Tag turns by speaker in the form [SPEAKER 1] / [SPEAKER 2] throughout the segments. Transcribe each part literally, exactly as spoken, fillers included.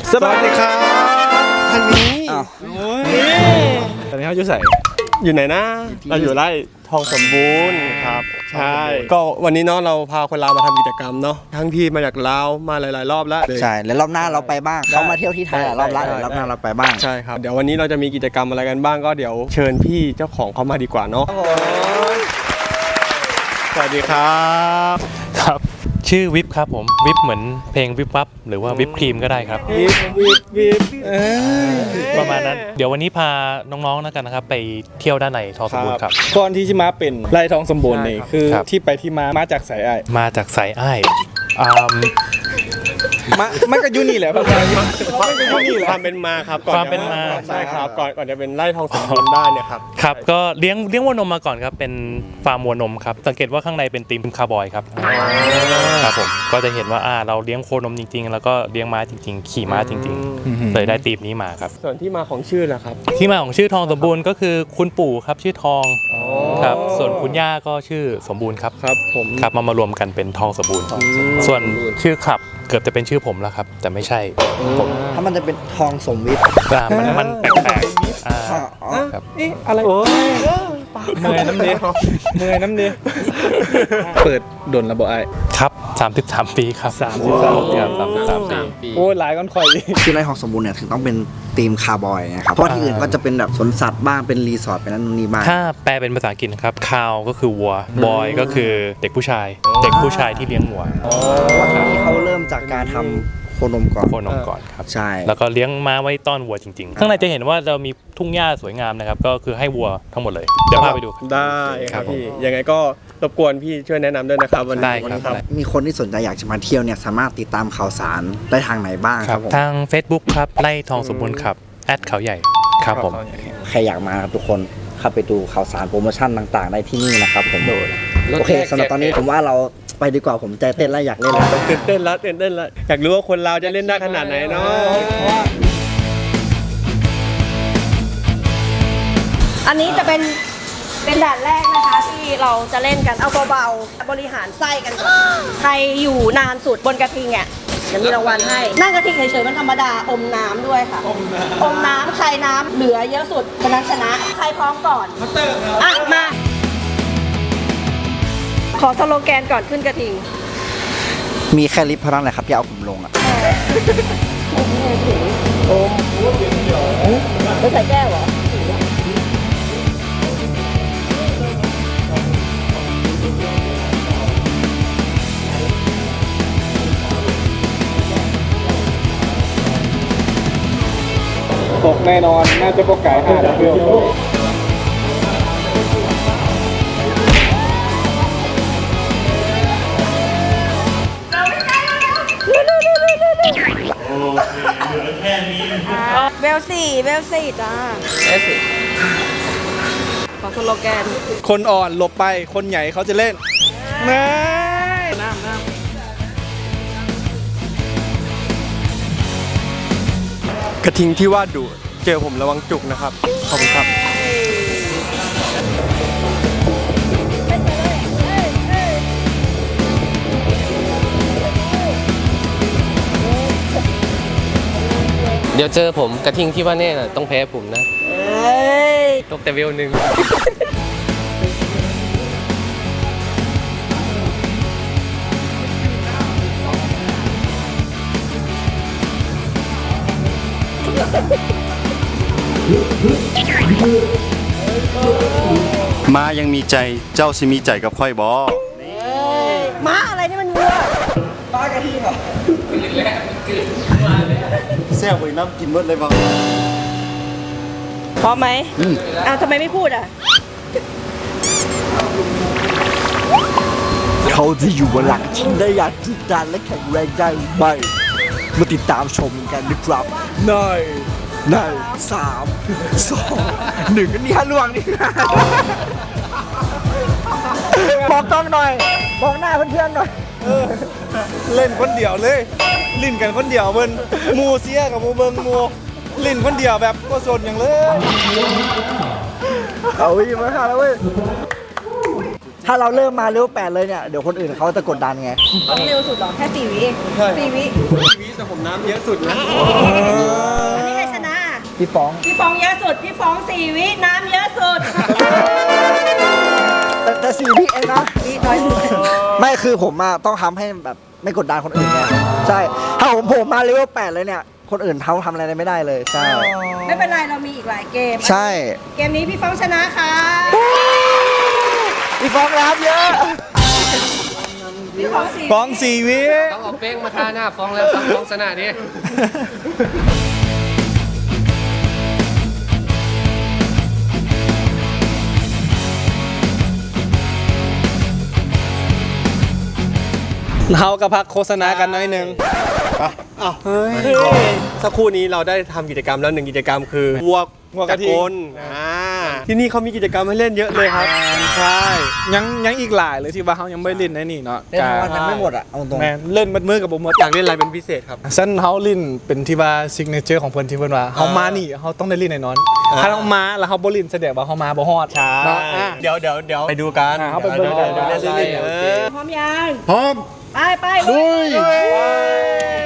[SPEAKER 1] สวัสดีครับทางนี้ตอนนี้เขาอยู่ใส่อยู่ไหนนะเราอยู่ไร่ทองสมบูรณ์ครับใช่ก็วันนี้เนาะเราพาคนลาวมาทำกิจกรรมเนาะทั้งที่มาจากลาวมาหลายๆรอบแล้ว
[SPEAKER 2] ใช่แล้วรอบหน้าเราไปบ้างเขามาเที่ยวที่ไทยรอบละรอบหน้าเราไปบ้าง
[SPEAKER 1] ใช่ครับเดี๋ยววันนี้เราจะมีกิจกรรมอะไรกันบ้างก็เดี๋ยวเชิญพี่เจ้าของเขามาดีกว่าเนาะสวัสดีครับ
[SPEAKER 3] ครับชื่อวิปครับผมวิปเหมือนเพลงวิปวับหรือว่าวิปครีมก็ได้ครับ
[SPEAKER 1] วิปวิปวิป
[SPEAKER 3] ประมาณนั้นเดี๋ยววันนี้พาน้องๆแล้วกันนะครับไปเที่ยวด้านในทองสมบูรณ์ครับ
[SPEAKER 4] ก่อนที่จะมาเป็นไร่ทองสมบูรณ์นี่คือที่ไปที่มามาจากสายไอ้
[SPEAKER 3] มาจากสายอ้าย
[SPEAKER 4] มามันก็อยู่นี่แหละครับ
[SPEAKER 1] มันก็อยู่นี่แหละความเป็นมาครับก่อน
[SPEAKER 3] ความเป็นมา
[SPEAKER 1] ใช่ครับก่อนก่อนจะเป็นไร่ทองสมบูรณ์ได้เนี่ยครับ
[SPEAKER 3] ครับก็เลี้ยงเลี้ยงวัวนมมาก่อนครับเป็นฟาร์มวัวนมครับสังเกตว่าข้างในเป็นธีมคาร์บอยครับครับผมก็จะเห็นว่าอ่าเราเลี้ยงโคนมจริงๆแล้วก็เลี้ยงม้าจริงๆขี่ม้าจริงๆเลยได้ธีมนี้มาครับ
[SPEAKER 1] ส่วนที่มาของชื่อล่ะครับ
[SPEAKER 3] ที่มาของชื่อทองสมบูรณ์ก็คือคุณปู่ครับชื่อทองครับส่วนคุณย่าก็ชื่อสมบูรณ์ครับ
[SPEAKER 1] ครับผม
[SPEAKER 3] ครับมามารวมกันเป็นทองสมบูรณ์ส่วนชื่อคลับเกือบจะเป็นชื่อผมแล้วครับแต่ไม่ใช่ผม
[SPEAKER 2] ถ้ามันจะเป็นทองสมวิท
[SPEAKER 3] มันมันแปลกๆอ่า
[SPEAKER 1] ครับอะไรโอ้ย
[SPEAKER 4] เมื่อยน้ำเนี้ยเมื่อยน้ำเนี้ยเปิดดนระบบไอ้
[SPEAKER 3] ครับสามสิบสามปีครับสามสิบสามปีครับสามสิบสามปี
[SPEAKER 4] โอ้ยหลายก้อนข่อย
[SPEAKER 2] ที่ไร่ทองสมบูรณ์เนี่ยถึงต้องเป็นธีมคาร์บอยนะครับเพราะที่อื่นก็จะเป็นแบบสวนสัตว์บ้างเป็นรีสอร์ทเป็นนั่นนี่บ้าง
[SPEAKER 3] ถ้าแปลเป็นภาษาอังกฤษครับคาวก็คือวัวบอยก็คือเด็กผู้ชายเด็กผู้ชายที่เลี้ยงวัว
[SPEAKER 2] วันนี้เขาเริ่มจากการทำโคนมก่อน
[SPEAKER 3] โคนมก่อนครับ
[SPEAKER 2] ใช่
[SPEAKER 3] แล้วก็เลี้ยงม้าไว้ต้อนวัวจริงๆข้างในจะเห็นว่าเรามีทุ่งหญ้าสวยงามนะครับก็คือให้วัวทั้งหมดเลยเดี๋ยวพาไปดู
[SPEAKER 1] ได้ครับพี่ยังไงก็รบกวนพี่ช่วยแนะนำด้วยนะครับวันนี้
[SPEAKER 3] ครับ
[SPEAKER 2] มีคนที่สนใจอยากจะมาเที่ยวเนี่ยสามารถติดตามข่าวสารได้ทางไหนบ้างครับผม
[SPEAKER 3] ทาง Facebook ครับไร่ทองสมบูรณ์ครับแอดเขาใหญ่ครับผม
[SPEAKER 2] ใครอยากมาทุกคนเข้าไปดูข่าวสารโปรโมชั่นต่างๆได้ที่นี่นะครับผมโอเคสำหรับตอนนี้ผมว่าเราไปดีกว่าผมใจเต้นแล้วอยากเล่นแล้ว
[SPEAKER 1] ตื่นเต้นแล้วตื่นเต้นแล้วอยากรู้ว่าคนเราจะเล่นได้ขนาดไหนเนาะ
[SPEAKER 5] อันนี้จะเป็นเป็นด่านแรกนะคะที่เราจะเล่นกันเอาเบาๆบริหารไส้กันก่อนใครอยู่นานสุดบนกระทิงอ่ะจะมีรางวัลให้นั่งกระทิงเฉยๆมันธรรมดาอมน้ำด้วยค่ะอมน้ำอมน้ำใครน้ำเหลือเยอะสุดคนนั้นชนะใครพร้อมก่อนอ่ะมาขอสโลแกนก่อนขึ้นกระทิง
[SPEAKER 2] มีแค่ลิฟต์เท่านั้นแหละครับที่เอาผมลงอ่ะ
[SPEAKER 5] โอมไม่ใส่แก้วเหรอ
[SPEAKER 4] ตกแน่นอนน่าจะพวกไก่ห้าเดียว
[SPEAKER 5] เบลสี่เบลสี่จ้าเบลสี่ขอสโลแกน
[SPEAKER 4] คนอ่อนหลบไปคนใหญ่เขาจะเล่นน้ำน้ำน้
[SPEAKER 1] ำกระทิงที่ว่าดุเจอผมระวังจุกนะครับขอบคุณครับ
[SPEAKER 6] เดี๋ยวเจอผมกระทิงที่ว่าแน่น่ะต้องแพ้ผมนะตกแต่เวลหนึ่ง
[SPEAKER 7] ม้ายังมีใจเจ้าสิมีใจกับค่อยบอ
[SPEAKER 5] ม้าอะไรนี่มันวัวม้ากระทิงเหรอ
[SPEAKER 7] แซ่บไปน้ำกินเบิดเลยบ้าง
[SPEAKER 5] พร้อมไหมอ้าวทำไมไม่พูดอ่ะ
[SPEAKER 2] เขาจะอยู่บนหลังชิงได้อย่างจิตใจและแข็งแรงได้หรือไม่มาติดตามชมกันนะครับในในสามสองหนึ่งนี่ฮะล่วงนี่บอกกล้องหน่อยบอกหน้าเพื่อนๆหน่อย
[SPEAKER 4] เล่นคนเดียวเลยลิ้นกันคนเดียวเบิ้ลมูเสียกับมูเบิ้งมูลิ้นคนเดียวแบบก็สนอย่างเลย
[SPEAKER 2] เอาอีกมาค่ะแล้วเว้ยถ้าเราเริ่มมาเลเวลแปดเลยเนี่ยเดี๋ยวคนอื่นเขาจะกดดันไง
[SPEAKER 5] ต้องเร็วสุดหรอแค่สี่วิเองสี่วิ
[SPEAKER 1] วิแต่ผมน้ำเยอะสุดนะ
[SPEAKER 5] อันนี้ใครชนะ
[SPEAKER 2] พี่ฟ้อง
[SPEAKER 5] พี่ฟองเยอะสุด พี่ฟองสี่วิน้ำเยอะสุด
[SPEAKER 2] แต่แต่สี่วิเองนะ
[SPEAKER 5] วิน้อยสุด
[SPEAKER 2] ไม่คือผมอะต้องทำให้แบบไม่กดดันคนอื่นไงใช่ถ้าผมผมมาเลเวลแปดเลยเนี่ยคนอื่นเขาทำอะไรไม่ได้เลยใช่
[SPEAKER 5] ไม่เป็นไรเรามีอีกหลายเกม
[SPEAKER 2] ใช่
[SPEAKER 5] เกมนี้พี่ฟองชนะค่ะ
[SPEAKER 2] พี่ฟ้องรับเยอะ
[SPEAKER 5] พี่ฟองสี่
[SPEAKER 4] ฟ้องสี่วิ
[SPEAKER 6] ต้องเอาเป้งมาทาหน้าฟ้องแล้วครับฟ้องชนะดิ
[SPEAKER 4] เรากับพักโฆษณากันหน้อยหนึง
[SPEAKER 1] อ้าวเฮ้ยสักครู่นี้เราได้ทำกิจกรรมแล้วหนึ่งกิจกรรมคือวัว
[SPEAKER 4] วัวกระทิง
[SPEAKER 1] จักรอ่าที่นี่เขามีกิจกรรมให้เล่นเยอะเลยครับใช่
[SPEAKER 4] ยังยังอีกหลายเลยที่ว่าเขายังไม่เล่นในนี่เนาะ
[SPEAKER 2] เล่นทั้งวันยังไม่หมดอะเอาตรง
[SPEAKER 4] แมนเล่นมัดมือกับผมหมด
[SPEAKER 1] อยากเล่นอะไรเป็นพิเศษครับ
[SPEAKER 4] เส้นเฮาลินเป็นที่ว่าซิกเนเจอร์ของเพิ่นที่เพิ่นว่าเฮามานี่เฮาต้องได้ลินแน่นอน
[SPEAKER 1] อ่า
[SPEAKER 4] ถ้าเรามาแล้วเฮาบ่ลินแสดงว่าเฮามาบ่ฮอด
[SPEAKER 1] ใช่
[SPEAKER 4] เนาะอ่ะ
[SPEAKER 1] เดี๋ยวเดี๋ยวเดี๋ยวไปดูกัน
[SPEAKER 4] อ่าเขาไปเบิ่งกัน
[SPEAKER 1] เดี๋ยวเดี๋ยวเล่น
[SPEAKER 4] เดี๋ยว
[SPEAKER 1] เอ
[SPEAKER 4] เดี๋ยว
[SPEAKER 1] อ
[SPEAKER 5] พร้อมยัง
[SPEAKER 7] พร้อม
[SPEAKER 5] ไปไปลุย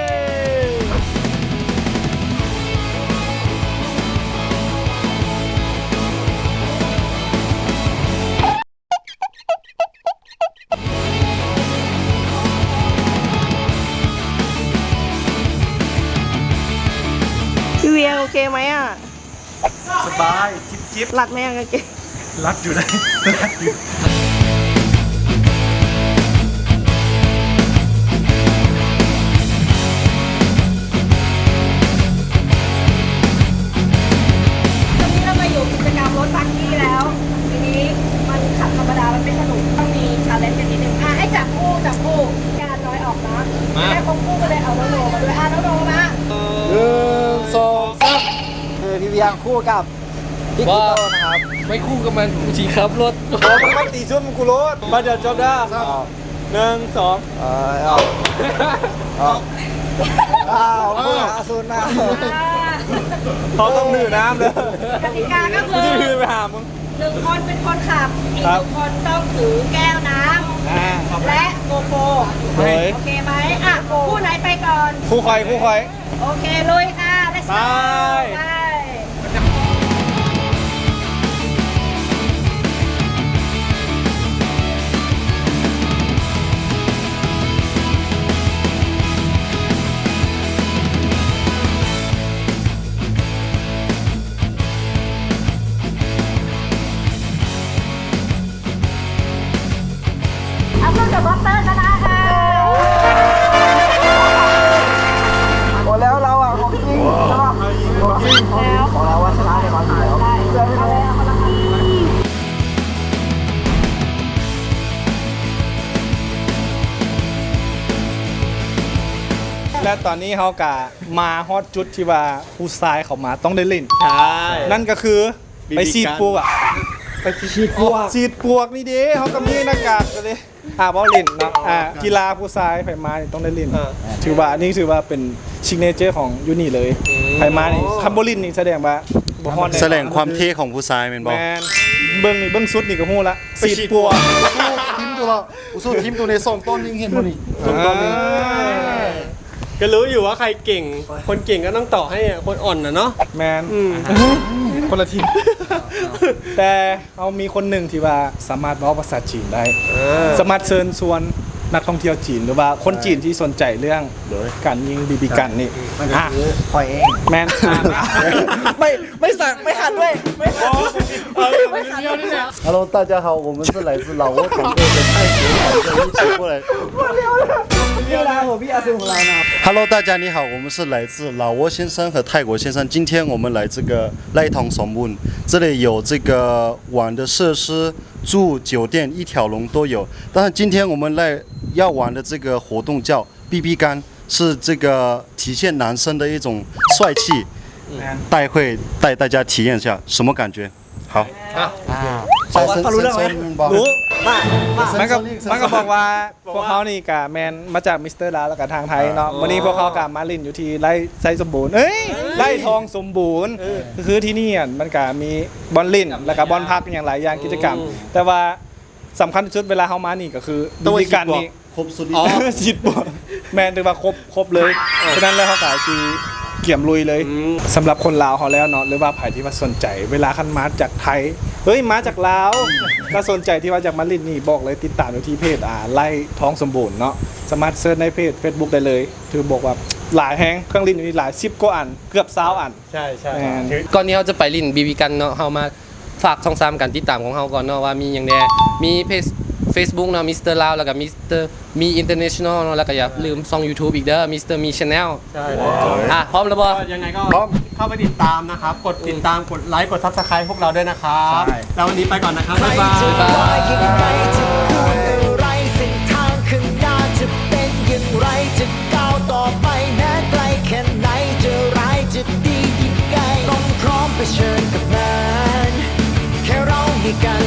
[SPEAKER 5] พี่เวียโอเคไหมอ่ะ
[SPEAKER 7] สบาย จิบจิบ
[SPEAKER 5] หลัดไหมอ่ะกางเกง
[SPEAKER 7] รัดอยู่เลยรัดอยู่
[SPEAKER 5] ตอนนี้เรามาอยู่กิจกรรมรถบังกี้แล้ว ทีนี้มันขับธรรมดา มันไม่สนุกต้องมีชาเลนจ์กันนิดนึงอ่ะให้จับคู่จับคู่การน้อยออกนะไม่ได้ครบคู่กันเลยเอาโนโนมาด้วยอ่ะโนโนมา
[SPEAKER 2] หนึ่งสองสามคือพี่เวียงคู่กับพี่กิโต้นะครับ
[SPEAKER 6] ไม่คู่กับมันกูชีครับรถ
[SPEAKER 4] โอ้มันมันตีซุ่มกูรถมาเดี๋ยวจบได้หนึ่งสอง
[SPEAKER 2] เออเอาเอาอ้าวคู่หาซูนมา
[SPEAKER 4] เขาต้องดื่มน้ำเลย
[SPEAKER 5] กติกาก็
[SPEAKER 4] กู
[SPEAKER 5] คือ
[SPEAKER 4] จะดื่มไปหามึง
[SPEAKER 5] หนึ่งคนเป็นคนขับ อีก
[SPEAKER 4] ค
[SPEAKER 5] ห
[SPEAKER 4] รับ
[SPEAKER 5] นึ่งคนต้องถือแก้วน้
[SPEAKER 4] อ่า
[SPEAKER 5] ำและโกโปร
[SPEAKER 4] เฮ้ย
[SPEAKER 5] โอเคไหมอ่ะคู่ไหนไปก่อน
[SPEAKER 4] คู่คอยคู่คอย
[SPEAKER 5] โอเคลุยค่ะ let's go
[SPEAKER 4] ไป
[SPEAKER 5] ไป เอาเพื่อนกับบัตเตอร์ชนะค่ะ
[SPEAKER 2] หมดแล้วเราอ่ะของจริงใช่ปะของจริงของเราว่าชนะในวันที่แล้วเพื่อนไม่รู้
[SPEAKER 4] และตอนนี้เขากะมาฮอตจุดที่ว่าผู้ชายเขามาต้องได้เล่น
[SPEAKER 1] ใช่
[SPEAKER 4] นั่นก็คือ
[SPEAKER 1] บีบี
[SPEAKER 4] ไปฉีด
[SPEAKER 1] กัน
[SPEAKER 4] ปลวกไปฉีดปลวกฉีดปลวกนี่เด้เขาก็มีหน้ากากกันเลยอ่าบอลลินเนาะอ่ากีฬาผู้ชายไผมานี่ต้องได้เล่น
[SPEAKER 1] อ่า
[SPEAKER 4] ถือว่านี่ถือว่าเป็นชิกเนเจอร์ของยูนี่เลยไผมานี่คัมโบลินนี่แสดงว่าบ่ฮอดน่
[SPEAKER 7] แสดงความเท่ของผู้ชายเป็นบ
[SPEAKER 4] แม
[SPEAKER 7] อก
[SPEAKER 4] นเบิ้งนี่เบิ้งสุดนี่ก็ฮู้ละ
[SPEAKER 7] ไป
[SPEAKER 4] ฉีด
[SPEAKER 7] ฉีด
[SPEAKER 4] ปลวก
[SPEAKER 7] ทีมตัวเราอุสู้ทีมตัวในสองต้นยิงเห็นบ่นี่
[SPEAKER 1] ก็รู้อยู่ว่าใครเก่ง คนเก่งก็ต้องต่อให้คนอ่อนนะเนาะ
[SPEAKER 4] แมน
[SPEAKER 1] อืม
[SPEAKER 4] คนละทีม แต่เอามีคนหนึ่งที่ว่าสามารถเว้าภาษาจีนได้ สามารถเชิญชวนนักท่องเที่ยวจีนหรือว่าคนจีนที่สนใจเรื่องการยิงบีบีกันนี่อ่ะ
[SPEAKER 2] คอยเอง
[SPEAKER 4] แมนอ่ะ
[SPEAKER 2] ไม่ไม่สั่งไม่หันด้วยไม่หันไม่หัน
[SPEAKER 7] Hello，大家好，我们是来自老挝团队的泰国团队一起过来。
[SPEAKER 2] พี่ลาผมพี่อาซูของเรานะ
[SPEAKER 7] Hello，大家你好，我们是来自老挝先生和泰国先生。今天我们来这个赖通松木，这里有这个玩的设施、住酒店一条龙都有。但是今天我们来要玩的这个活动叫 B B 杆，是这个体现男生的一种帅气。待会带大家体验一下什么感觉。好，
[SPEAKER 2] ฟังฟังรู้เรื่องไหม
[SPEAKER 4] รู้
[SPEAKER 2] มามา
[SPEAKER 4] มันก็มันก็บอกว่าพวกเขานี่กะแมนมาจากมิสเตอร์ลาแล้วกับทางไทยเนาะวันนี้พวกเขากะมาลินอยู่ที่ไร่ไซสมบูรณ์เอ้ยไร่ทองสมบูรณ์คือที่นี่อ่ะมันกะมีบอลลินแล้วก็บอลพักอย่างหลายอย่างกิจกรรม แต่ว่าสำคัญที่สุดเวลาเฮามานี่ก็คือ
[SPEAKER 7] ต้องไป
[SPEAKER 4] วิธีการ
[SPEAKER 7] ฉีดบ่
[SPEAKER 4] นี้
[SPEAKER 7] ครบสุด
[SPEAKER 4] อ๋อ ฉีดบ่แมนถือว่าครบครบเลยฉะนั้นแล้วเขาก็คือเกี่ยมลุยเลยสำหรับคนลาวเขาแล้วเนาะหรือว่าใครที่ว่าสนใจเวลาคันมาจากไทยเฮ้ยมาจากลาวก็สนใจที่ว่าจากมาลินนี่บอกเลยติดตามอยู่ที่เพจอ่าไล่ท้องสมบูรณ์เนาะสามารถเซิร์ชในเพจ Facebook ได้เลยถือบอกว่าหลายแฮงเครื่องลินอยู่นี่หลายสิบกว่าอันเกือบ20อัน
[SPEAKER 1] ใช่ใช่
[SPEAKER 4] แม่น
[SPEAKER 6] ก่อนนี้เราจะไปลินบีบีกันเนาะเฮามาฝากช่องสามกันติดตามของเฮาก่อนเนาะว่ามีอย่างแน่มีเพจ Facebook เนาะมิสเตอร์ลาวแล้วก็มิสเตอร์มีอินเตอร์เนชั่นแนลเนาะแล้วก็อย่าลืมช่อง YouTube อีกเด้อมิสเตอร์มีชาแนล
[SPEAKER 1] ใช่เลย
[SPEAKER 6] อ่ะพร้อมแล้วบ่
[SPEAKER 1] ก็ยังไงก็เข้าไปติดตามนะครับ กดติดตามกดไลค์กดซับสไครต์พวกเราด้วยนะครับ แล้ววันนี้ไปก่อนนะครับ บ๊ายบาย
[SPEAKER 6] บ๊ายบาย
[SPEAKER 2] ยังไงจะพูดอะไรเส้นทางข้างหน้าจะเป็นอย่างไรจะก้าวต่อไปแม้ไกลแค่ไหนจะร้ายจะดียังไงต้องพร้อมเผชิญกับมันแค่เรามีกัน